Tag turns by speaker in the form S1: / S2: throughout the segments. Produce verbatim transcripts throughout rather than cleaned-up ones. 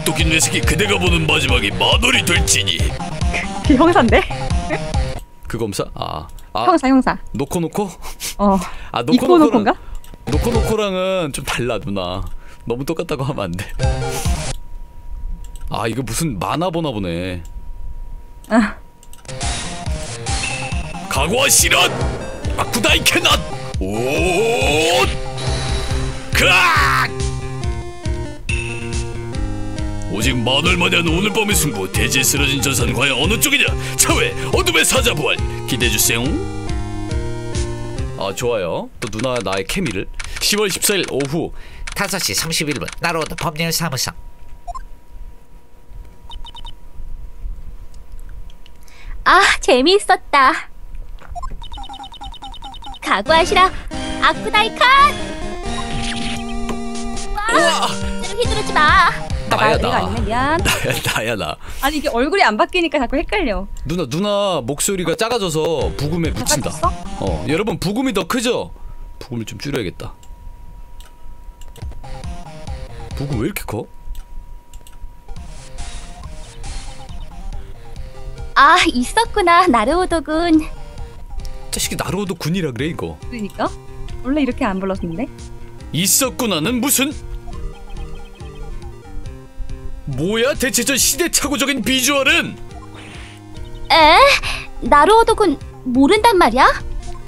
S1: 똑똑히 뇌새끼 그대가 보는 마지막이 만월이 될지니.
S2: 그 형사인데?
S1: 그 검사? 아, 아
S2: 형사 형사.
S1: 놓고 놓고?
S2: 어.
S1: 아 놓고
S2: 이코
S1: 놓고랑
S2: 놓고인가?
S1: 놓고 놓고랑은 좀 달라 누나. 너무 똑같다고 하면 안 돼. 아 이거 무슨 만화 보나 보네.
S2: 아.
S1: 각오하시란 아쿠다이 캐낫 오 크악. 오직 만월만에 하는 오늘 밤의 승부. 대지에 쓰러진 전사는 과연 어느 쪽이냐. 차회 어둠의 사자 부활 기대해주세요. 아 좋아요. 또 누나 나의 케미를. 시월 십사일 오후
S3: 다섯 시 삼십일 분 나로드 법률사무소.
S4: 아, 재미있었다. 각오하시라. 아쿠다이칸. 와, 휘두르지 마.
S1: 나야
S2: 내가
S1: 나.
S2: 아니네, 미안.
S1: 나야 나야 나.
S2: 아니 이게 얼굴이 안 바뀌니까 자꾸 헷갈려.
S1: 누나 누나 목소리가 작아져서 부금에 묻힌다.
S2: 작아졌어?
S1: 어 여러분 부금이 더 크죠? 부금을 좀 줄여야겠다. 부금 왜 이렇게 커?
S4: 아, 있었구나, 나르오도군.
S1: 자식이 나로도 군이라 그래 이거.
S2: 그러니까 원래 이렇게 안 불렀는데.
S1: 있었구나는 무슨? 뭐야 대체 저 시대착오적인 비주얼은?
S4: 에? 나르오도군 모른단 말이야?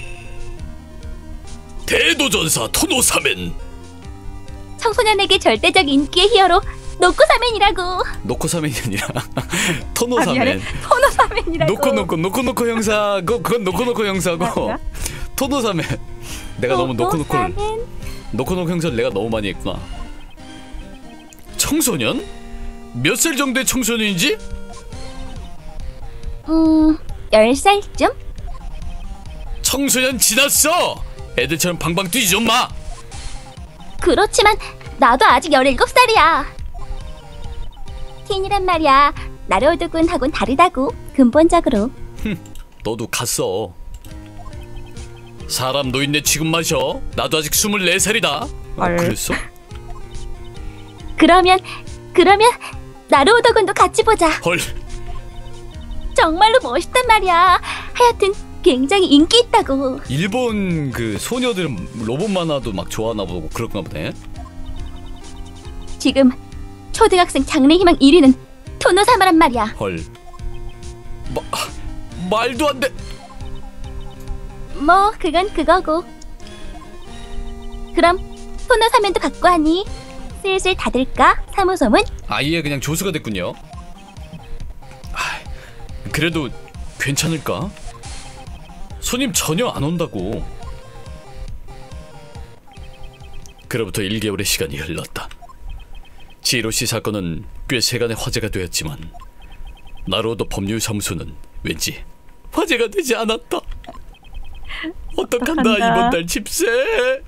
S1: 대도전사 토노사멘.
S4: 청소년에게 절대적 인기의 히어로 노코사멘이라고.
S1: 노코사멘이 아니라
S2: 아, 미안해.
S1: 토노사멘.
S2: 토노사멘이라고.
S1: 노코 노코 노코 노코 형사. 그 그건 노코 노코 형사고.
S2: 아,
S1: 토노사멘. 내가 너무 노코 노코를
S4: 노코사멘.
S1: 노코 노코 형사를 내가 너무 많이 했구나. 청소년? 몇 살 정도의 청소년인지?
S4: 음, 열 살쯤?
S1: 청소년 지났어. 애들처럼 방방 뛰지 좀 마.
S4: 그렇지만 나도 아직 열일곱 살이야. 틴이란 말이야. 나르오도군하고는 다르다고, 근본적으로.
S1: 너도 갔어. 사람 노인네 취급 마셔. 나도 아직 스물네 살이다. 아,
S2: 헐.
S1: 그랬어?
S4: 그러면 그러면 나르오도군도 같이 보자.
S1: 헐.
S4: 정말로 멋있단 말이야. 하여튼 굉장히 인기 있다고.
S1: 일본 그 소녀들은 로봇 만화도 막 좋아하나 보고 그런가 보네.
S4: 지금 초등학생 장래희망 일 위는 토노사마란 말이야.
S1: 헐. 마, 말도 안 돼.
S4: 뭐 그건 그거고. 그럼 토노사면도 갖고 하니 슬슬 닫을까? 사무소문?
S1: 아예 그냥 조수가 됐군요. 아, 그래도 괜찮을까? 손님 전혀 안 온다고. 그로부터 일 개월의 시간이 흘렀다. 지로씨 사건은 꽤 세간의 화제가 되었지만 나로도 법률사무소는 왠지 화제가 되지 않았다. 어떡한다 이번 달 집세.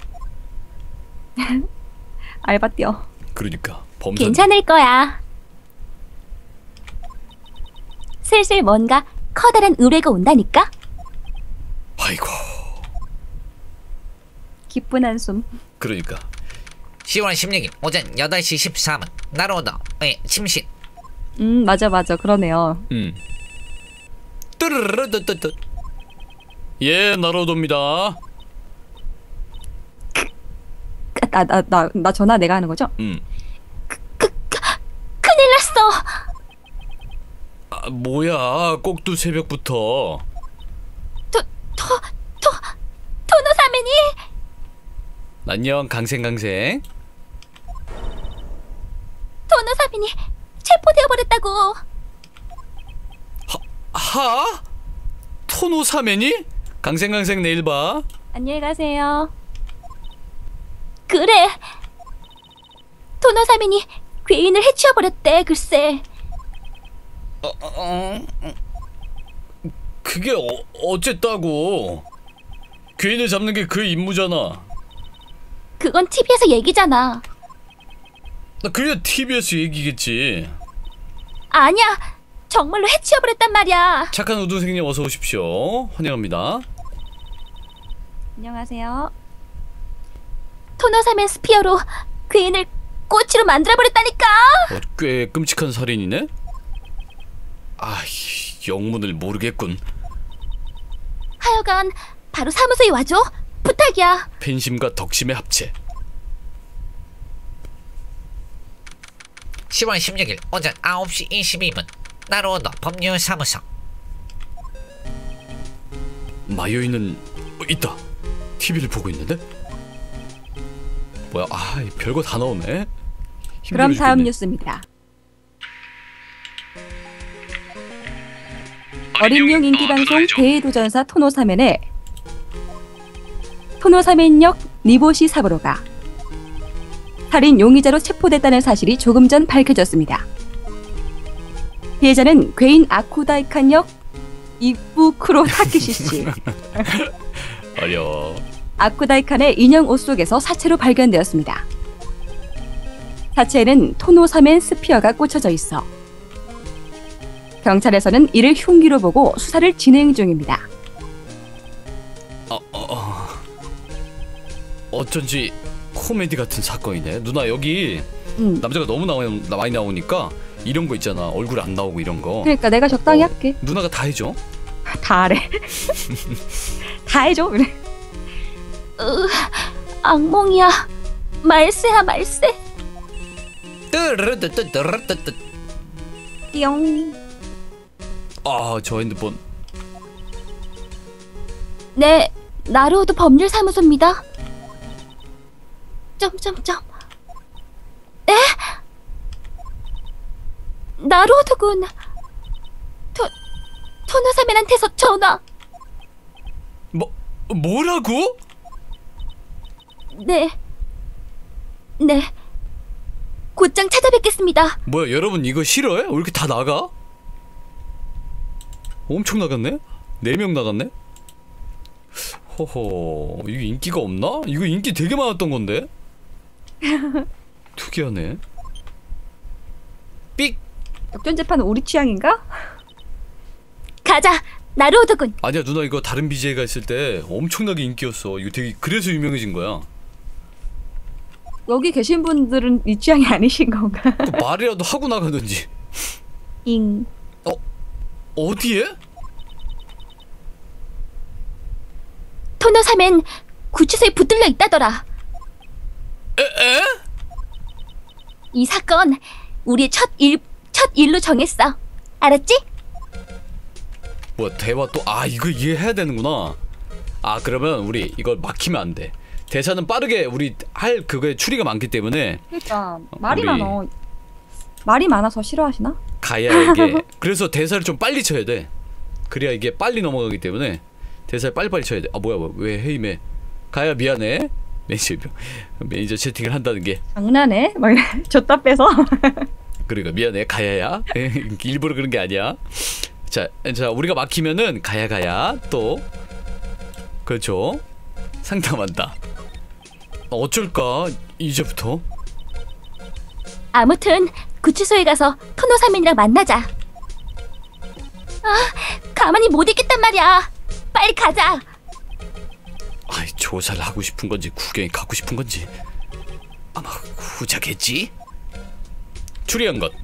S2: 알바 뛰어.
S1: 그러니까 범사
S4: 괜찮을 거야. 슬슬 뭔가 커다란 의뢰가 온다니까?
S1: 아이고.
S2: 기쁜 한숨.
S1: 그러니까
S3: 시월 십육일 오전 여덟 시 십사 분 나로드 의 침실.
S2: 음 맞아 맞아 그러네요.
S1: 음. 뜨르르르뜨뜨. 예, 나로도입니다.
S2: 나 나 나 나 전화 내가 하는 거죠?
S1: 음.
S4: 큰일 났어.
S1: 아, 뭐야? 꼭두 새벽부터.
S4: 토, 토, 토, 토노사면이.
S1: 안녕, 강생강생.
S4: 토노사면이 체포되어 버렸다고.
S1: 하? 토노사멘이? 강생강생 내일 봐.
S2: 안녕히 가세요.
S4: 그래. 토노사면이 괴인을 해치워 버렸대. 글쎄.
S3: 어, 어, 어, 어.
S1: 그게 어, 어쨌다고. 괴인을 잡는 게 그 임무잖아.
S4: 그건 티비에서 얘기잖아.
S1: 나 그게 티비에스 얘기겠지.
S4: 아니야. 정말로 해치워 버렸단 말이야.
S1: 착한 우등생님 어서 오십시오. 환영합니다.
S2: 안녕하세요.
S4: 토노사면 스피어로 괴인을 꼬치로 만들어버렸다니까.
S1: 어, 꽤 끔찍한 살인이네. 아, 영문을 모르겠군.
S4: 하여간 바로 사무소에 와줘. 부탁이야.
S1: 팬심과 덕심의 합체.
S3: 시월 십육일 오전 아홉 시 이십이 분 나로오더 법률사무소.
S1: 마요이는 어, 있다. 티비를 보고 있는데? 뭐야? 아, 별거 다 나오네. 힘들어
S2: 그럼 다음
S1: 죽겠네.
S2: 뉴스입니다. 어린용 인기방송 대도전사 토노사멘의 토노사멘역 니보시 사부로가 살인 용의자로 체포됐다는 사실이 조금 전 밝혀졌습니다. 피해자는 괴인 아쿠다이칸역 이부쿠로 타케시 씨.
S1: 어려워.
S2: 아쿠다이칸의 인형 옷 속에서 사체로 발견되었습니다. 사체에는 토노사멘 스피어가 꽂혀져 있어 경찰에서는 이를 흉기로 보고 수사를 진행 중입니다.
S1: 어, 어, 어. 어쩐지 코미디 같은 사건이네. 누나 여기
S2: 음.
S1: 남자가 너무 나오, 많이 나오니까 이런 거 있잖아. 얼굴 안 나오고 이런 거.
S2: 그러니까 내가 적당히
S1: 어,
S2: 할게.
S1: 누나가 다 해줘.
S2: 다 하래. 다 해줘 그래.
S4: 으, 악몽이야. 말세야 말세.
S3: 뜨르르뜨뜨르뜨뜨.
S2: 띠용.
S1: 아, 저 핸드폰.
S4: 네, 나로우드 법률사무소입니다. 점점점. 에? 나로우드군. 토 토노사멘한테서 전화.
S1: 뭐 뭐라고?
S4: 네. 네. 곧장 찾아뵙겠습니다.
S1: 뭐야, 여러분 이거 싫어해? 왜 이렇게 다 나가? 엄청 나갔네? 네 명 나갔네? 호호, 이거 인기가 없나? 이거 인기 되게 많았던 건데? 특이하네.
S3: 삑.
S2: 역전재판은 우리 취향인가?
S4: 가자. 나로우드군.
S1: 아니야 누나, 이거 다른 비제이가 있을 때 엄청나게 인기였어. 이거 되게 그래서 유명해진 거야.
S2: 여기 계신 분들은 이 취향이 아니신 건가?
S1: 그 말이라도 하고 나가든지.
S2: 잉.
S1: 어디에?
S4: 토노사멘 구치소에 붙들려 있다더라.
S1: 에? 에?
S4: 이 사건 우리의 첫 일, 첫 일로 정했어. 알았지?
S1: 뭐야, 대화 또, 아 이거 이해해야 되는구나. 아 그러면 우리 이걸 막히면 안 돼. 대사는 빠르게 우리 할 그거에 추리가 많기 때문에
S2: 그러니까 말이
S1: 우리-
S2: 많어. 말이 많아서 싫어하시나?
S1: 가야에게 그래서 대사를 좀 빨리 쳐야 돼. 그래야 이게 빨리 넘어가기 때문에 대사를 빨리빨리 쳐야 돼. 아 뭐야, 뭐야 왜 해임해. 가야 미안해. 매니저 매니저 채팅을 한다는 게
S2: 장난해? 막 이래. 줬다 빼서.
S1: 그러니까 미안해 가야야. 일부러 그런 게 아니야. 자, 자 우리가 막히면은 가야 가야 또 그렇죠. 상담한다. 어쩔까 이제부터.
S4: 아무튼 구치소에 가서 토노사멘이랑 만나자. 아, 가만히 못 있겠단 말이야. 빨리 가자.
S1: 아이, 조사를 하고 싶은 건지 구경에 가고 싶은 건지 아마 후자겠지. 추리한 것.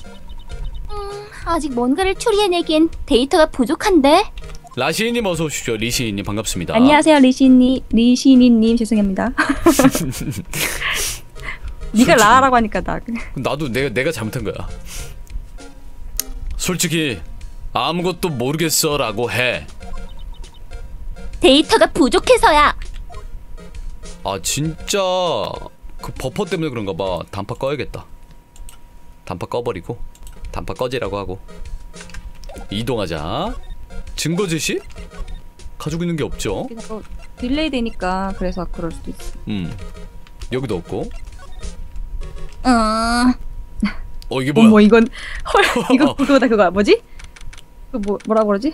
S4: 아직 뭔가를 추리해내기엔 데이터가 부족한데.
S1: 라시님 어서 오십시오. 리시님 반갑습니다.
S2: 안녕하세요 리시니 리시니님 죄송합니다. 네가 라라고 하니까 나 그냥.
S1: 나도 내가 내가 잘못한 거야. 솔직히 아무것도 모르겠어라고 해.
S4: 데이터가 부족해서야.
S1: 아 진짜 그 버퍼 때문에 그런가 봐. 단파 꺼야겠다. 단파 꺼버리고 단파 꺼지라고 하고 이동하자. 증거 제시? 가지고 있는 게 없죠.
S2: 그래서 딜레이 되니까 그래서 그럴 수도 있어.
S1: 음 여기도 없고.
S4: 음,
S1: 어 이게 뭐야?
S2: 어머 이건 헐 이거 그거다 그거 뭐지? 그 뭐 뭐라 그러지?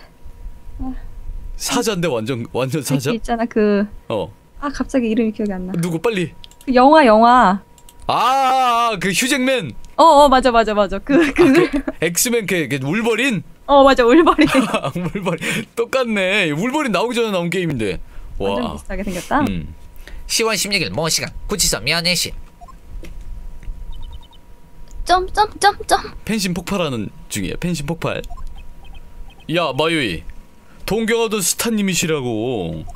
S1: 사자인데 완전 완전 사자?
S2: 그 있잖아 그
S1: 어
S2: 아 갑자기 이름이 기억이 안 나.
S1: 누구 빨리.
S2: 그 영화 영화.
S1: 아 그 휴잭맨.
S2: 어어 맞아 맞아 맞아 그 그.
S1: 그 엑스맨 그, 그 울버린.
S2: 어 맞아 울버린.
S1: 울버린 똑같네. 울버린 나오기 전에 나온 게임인데.
S2: 완전
S1: 와.
S2: 비슷하게 생겼다.
S1: 음.
S3: 시월 십육일 모 시간 구치소 면회실.
S4: 점점점점.
S1: 펜신 폭발하는 중이야. 펜신 폭발. 야 마유이, 동경하던 스타님이시라고.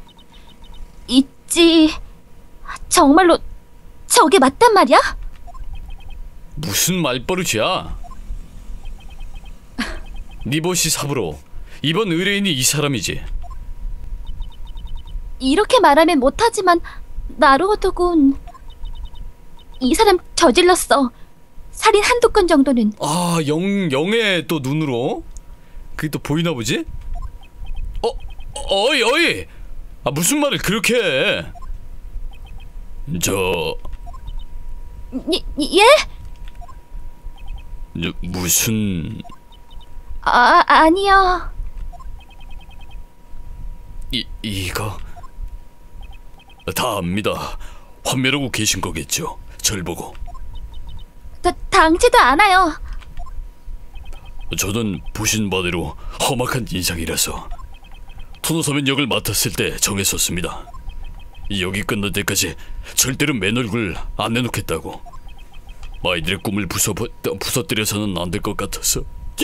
S4: 있지. 정말로 저게 맞단 말이야?
S1: 무슨 말버릇이야? 니보시 사부로, 이번 의뢰인이 이 사람이지.
S4: 이렇게 말하면 못하지만 나루오도군, 이 사람 저질렀어. 살인 한두 건 정도는.
S1: 아, 영, 영의 또 눈으로? 그게 또 보이나 보지? 어? 어이 어이! 아, 무슨 말을 그렇게 해? 저...
S4: 예? 예?
S1: 저, 무슨...
S4: 아, 아니요.
S1: 이, 이거... 다 압니다. 환멸하고 계신 거겠죠? 절 보고.
S4: 다, 당치도 않아요.
S1: 저는 보신 바대로 험악한 인상이라서 토노사면 역을 맡았을 때 정했었습니다. 역이 끝날 때까지 절대로 맨 얼굴 안 내놓겠다고. 아이들의 꿈을 부숴, 부숴뜨려서는 안 될 것 같아서.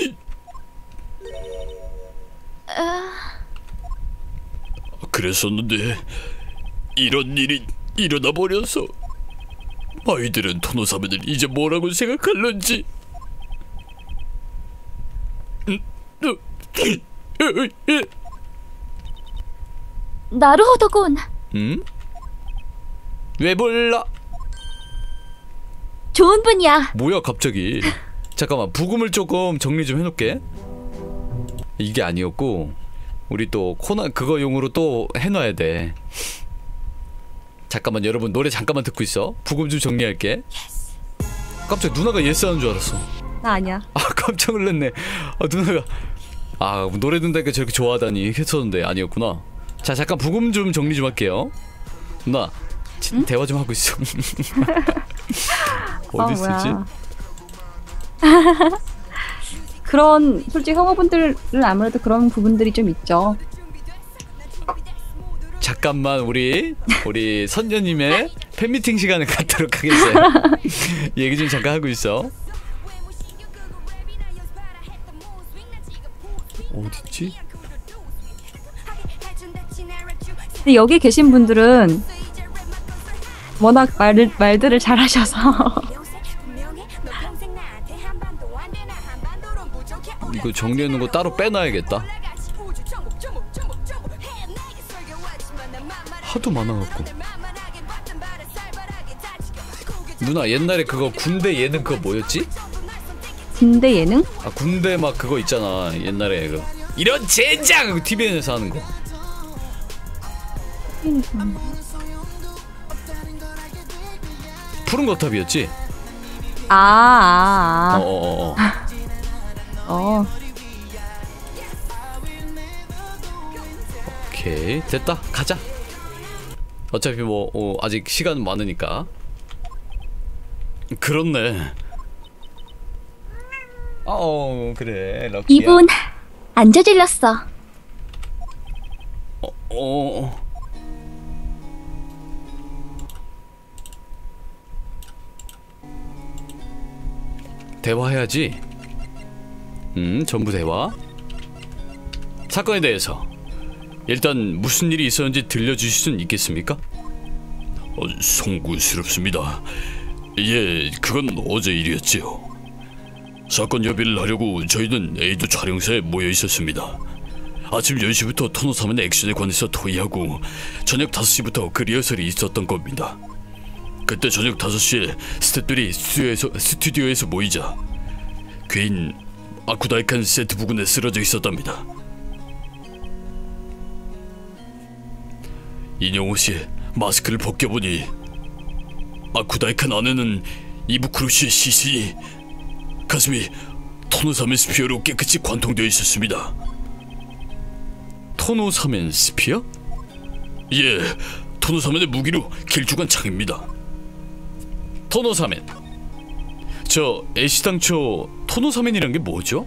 S1: 그랬었는데 이런 일이 일어나 버려서 아이들은 토노사면을 이제 뭐라고 생각할런지.
S4: 나루호도군,
S1: 응? 왜 몰라?
S4: 좋은 분이야.
S1: 뭐야 갑자기. 잠깐만, 부금을 조금 정리 좀 해놓게. 이게 아니었고 우리 또 코난 그거용으로 또 해놔야 돼. 잠깐만 여러분, 노래 잠깐만 듣고 있어. 부금 좀 정리할게. 깜짝 누나가 예스 하는 줄 알았어.
S2: 나 아니야.
S1: 아 깜짝 놀랐네. 아 누나가 아 노래 듣는다니까 저렇게 좋아하다니 했었는데 아니었구나. 자 잠깐 부금 좀 정리 좀 할게요. 누나 응? 대화 좀 하고 있어. 어디 있었지?
S2: 어, 그런 솔직히 형아분들은 아무래도 그런 부분들이 좀 있죠.
S1: 잠깐만 우리 우리 선녀님의 팬미팅 시간을 갖도록 하겠어요. 얘기 좀 잠깐 하고 있어. 어딨지?
S2: 근데 여기 계신 분들은 워낙 말, 말들을 잘하셔서
S1: 이거 정리하는 거 따로 빼놔야겠다. 하도 많아갖고. 누나 옛날에 그거 군대 예능 그거 뭐였지?
S2: 군대 예능?
S1: 아 군대 막 그거 있잖아 옛날에 그 이런 젠장! 티비엔에서 하는 거.
S2: 음.
S1: 푸른 거탑이었지?
S2: 아, 아, 아.
S1: 어어어.
S2: 어.
S1: 오케이 됐다 가자. 어차피 뭐 어, 아직 시간 많으니까. 그렇네. 어 그래 럭키야.
S4: 이분 안 저질렀어.
S1: 어, 어. 대화해야지. 음 전부 대화. 사건에 대해서 일단 무슨 일이 있었는지 들려주실 수는 있겠습니까? 어, 송구스럽습니다. 예, 그건 어제 일이었지요. 사건 협의를 하려고 저희는 에이도 촬영사에 모여 있었습니다. 아침 열 시부터 토노사면의 액션에 관해서 토의하고 저녁 다섯 시부터 그 리허설이 있었던 겁니다. 그때 저녁 다섯 시에 스태프들이 스튜디오에서, 스튜디오에서 모이자 괴인 아쿠다이칸 세트 부근에 쓰러져 있었답니다. 인형옷이 마스크를 벗겨보니 아쿠다이칸 안에는 이부쿠로시의 시신이 가슴이 토노사멘 스피어로 깨끗이 관통되어 있었습니다. 토노사멘 스피어? 예, 토노사멘의 무기로 길쭉한 창입니다. 토노사멘. 저 애시당초 토노사멘이란 게 뭐죠?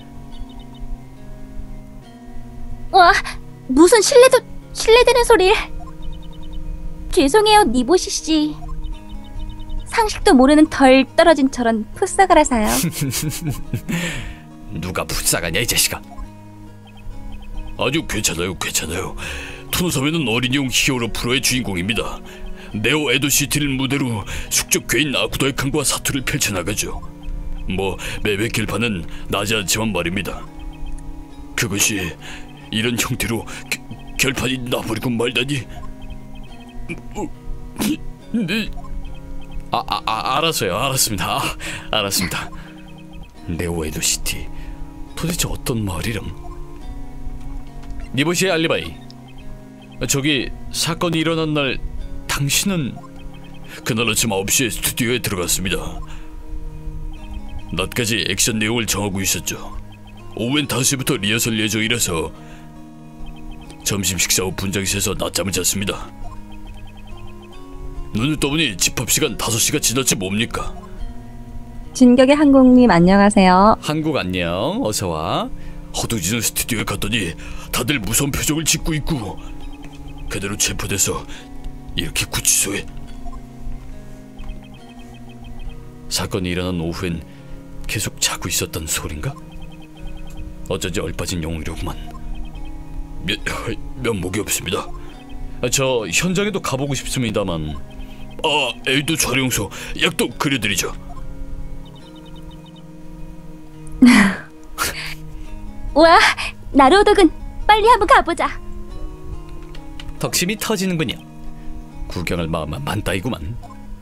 S4: 와, 무슨 신뢰도 신뢰되는 소리. 죄송해요, 니보시 씨. 상식도 모르는 덜 떨어진 저런 풋사가라서요.
S1: 누가 풋사가냐 이 자식아. 아주 괜찮아요 괜찮아요. 토노사메는 어린이용 히어로 프로의 주인공입니다. 네오 에도시티를 무대로 숙적 괴인 아쿠도의 강과 사투를 펼쳐나가죠. 뭐 매회 결판은 나지 않지만 말입니다. 그것이 이런 형태로 겨, 결판이 나버리고 말다니. 네. 아, 아, 아 알았어요 알았습니다. 아, 알았습니다. 네오 에도시티 도대체 어떤 마을이람? 니보시의 알리바이. 저기 사건이 일어난 날 당신은 그날 아침 아홉 시에 스튜디오에 들어갔습니다. 낮까지 액션 내용을 정하고 있었죠. 오후엔 다섯 시부터 리허설 예정이라서 점심 식사 후 분장실에서 낮잠을 잤습니다. 눈을 떠보니 집합시간 다섯 시가 지났지 뭡니까?
S2: 진격의 항공님 안녕하세요.
S1: 한국 안녕 어서와. 허둥지는 스튜디오에 갔더니 다들 무서운 표정을 짓고 있고 그대로 체포돼서 이렇게 구치소에. 사건이 일어난 오후엔 계속 자고 있었단 소린가? 어쩐지 얼빠진 영웅이로구만. 면, 면목이 없습니다. 저 현장에도 가보고 싶습니다만. 아, 에이도 촬영소 약도 그려드리죠.
S4: 와, 나로독은 빨리 한번 가보자.
S1: 덕심이 터지는군요. 구경할 마음만 만따이구만.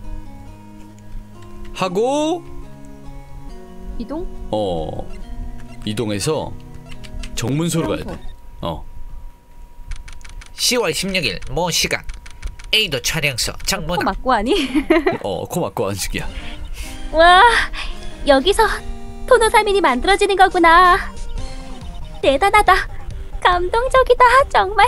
S1: 하고
S2: 이동?
S1: 어 이동해서 정문소로 가야 돼. 어
S3: 시월 십육일 모 시각 A도 촬영소
S2: 코
S3: 정문화.
S2: 맞고 하니?
S1: 어, 코 맞고 안식이야.
S4: 와, 여기서 토노사민이 만들어지는 거구나. 대단하다. 감동적이다. 정말.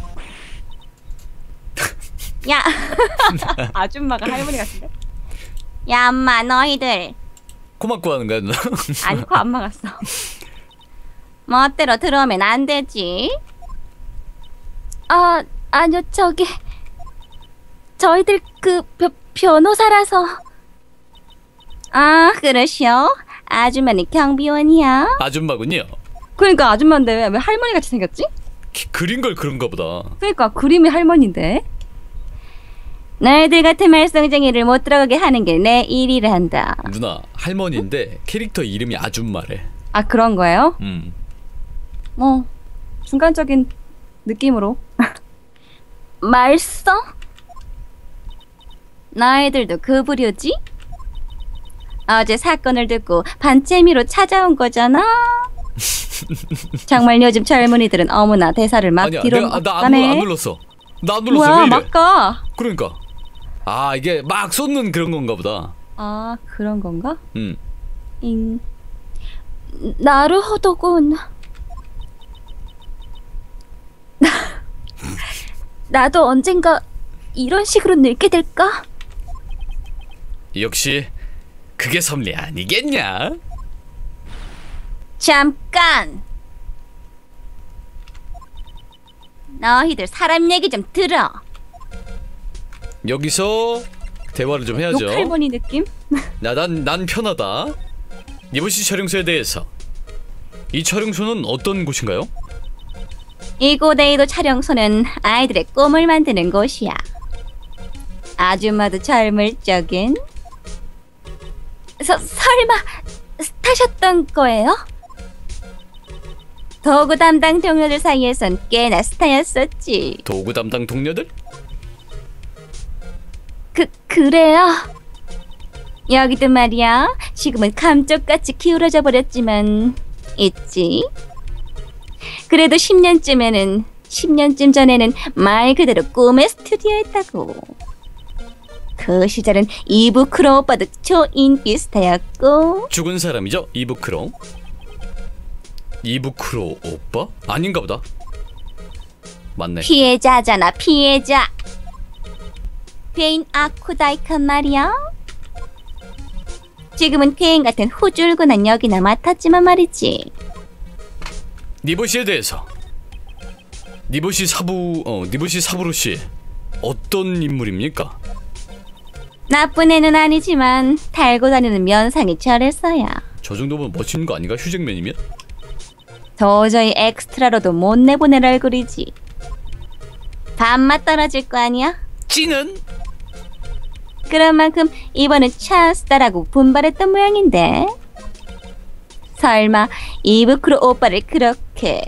S4: 야,
S2: 아줌마가 할머니 같은데?
S4: 야, 엄마 너희들.
S1: 코 맞고 하는 거야 누나?
S2: 아니 코 안 막았어.
S4: 멋대로 들어오면 안 되지. 아, 아니요, 저기 저희들 그 벼, 변호사라서. 아, 그러시오. 아주머니 경비원이야.
S1: 아줌마군요.
S2: 그러니까 아줌마인데 왜, 왜 할머니 같이 생겼지?
S1: 기, 그린 걸 그런가 보다.
S2: 그러니까 그림이 할머니인데.
S4: 너희들 같은 말썽쟁이를 못 들어가게 하는 게 내 일이란다.
S1: 누나 할머니인데 캐릭터 이름이 아줌마래.
S2: 아 그런 거예요?
S1: 음.
S2: 뭐 중간적인 느낌으로.
S4: 말썽? 너희들도 그 부류지? 어제 사건을 듣고 반재미로 찾아온 거잖아. 정말 요즘 젊은이들은 어머나 대사를 막
S1: 아니야
S4: 뒤로
S1: 내가 나안
S2: 가네.
S1: 안 눌렀어. 나 안 눌렀어.
S2: 뭐야
S1: 왜 이래?
S2: 막가.
S1: 그러니까. 아 이게 막 쏟는 그런 건가 보다.
S2: 아 그런 건가?
S1: 음.
S2: 잉.
S4: 나루호도군. 나도 언젠가 이런 식으로 늙게 될까?
S1: 역시 그게 섭리 아니겠냐?
S4: 잠깐. 너희들 사람 얘기 좀 들어.
S1: 여기서 대화를 좀 해야죠.
S2: 욕할머니 느낌?
S1: 나난 난 편하다. 니보시 촬영소에 대해서. 이 촬영소는 어떤 곳인가요?
S4: 이고데이도 촬영소는 아이들의 꿈을 만드는 곳이야. 아줌마도 젊을 적엔 서, 설마 스타셨던 거예요? 도구 담당 동료들 사이에선 꽤나 스타였었지.
S1: 도구 담당 동료들?
S4: 그, 그래요. 여기도 말이야. 지금은 감쪽같이 기울어져 버렸지만 있지. 그래도 십 년쯤에는 십 년쯤 전에는 말 그대로 꿈의 스튜디오였다고. 그 시절은 이부크로 오빠도 초인기 스타였고.
S1: 죽은 사람이죠? 이부크로. 이부크로 오빠? 아닌가 보다. 맞네.
S4: 피해자잖아, 피해자. 괴인 아쿠다이칸 말이야. 지금은 괴인 같은 후줄근한 역이나 맡았지만 말이지.
S1: 니보시에 대해서. 니보시 사부 어 니보시 사부로 씨 어떤 인물입니까?
S4: 나쁜 애는 아니지만 달고 다니는 면상이 저랬어요.
S1: 저 정도면 멋진 거 아닌가? 휴잭맨이면?
S4: 도저히 엑스트라로도 못 내보낼 얼굴이지. 반맛 떨어질 거 아니야?
S1: 찌는?
S4: 그런 만큼 이번엔 찬스다라고 분발했던 모양인데. 설마 이브크로 오빠를 그렇게.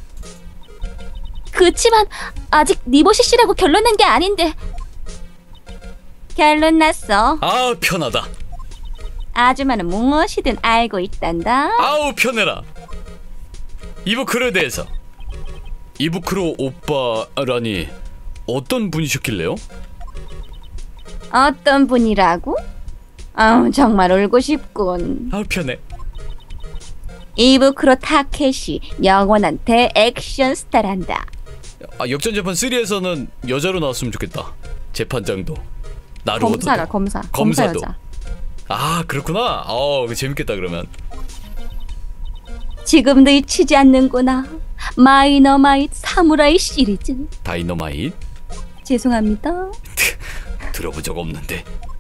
S4: 그치만 아직 니보시 씨라고 결론난 게 아닌데. 결론 났어.
S1: 아 편하다.
S4: 아줌마는 무엇이든 알고 있단다.
S1: 아우 편해라. 이브크로에 대해서. 이브크로 오빠라니 어떤 분이셨길래요?
S4: 어떤 분이라고? 아우 정말 울고 싶군.
S1: 아우 편해.
S4: 이브크로 타케시 영원한 대액션 스타란다.
S1: 아, 역전재판 삼에서는 여자로 나왔으면 좋겠다. 재판장도 나루오도
S2: 검사가 검사. 검사
S1: 검사도.
S2: 여자.
S1: 아 그렇구나. 어 재밌겠다 그러면.
S4: 지금도 잊히지 않는구나. 마이너마이트 사무라이 시리즈.
S1: 다이너마이트
S2: 죄송합니다.
S1: 들어본 적 없는데.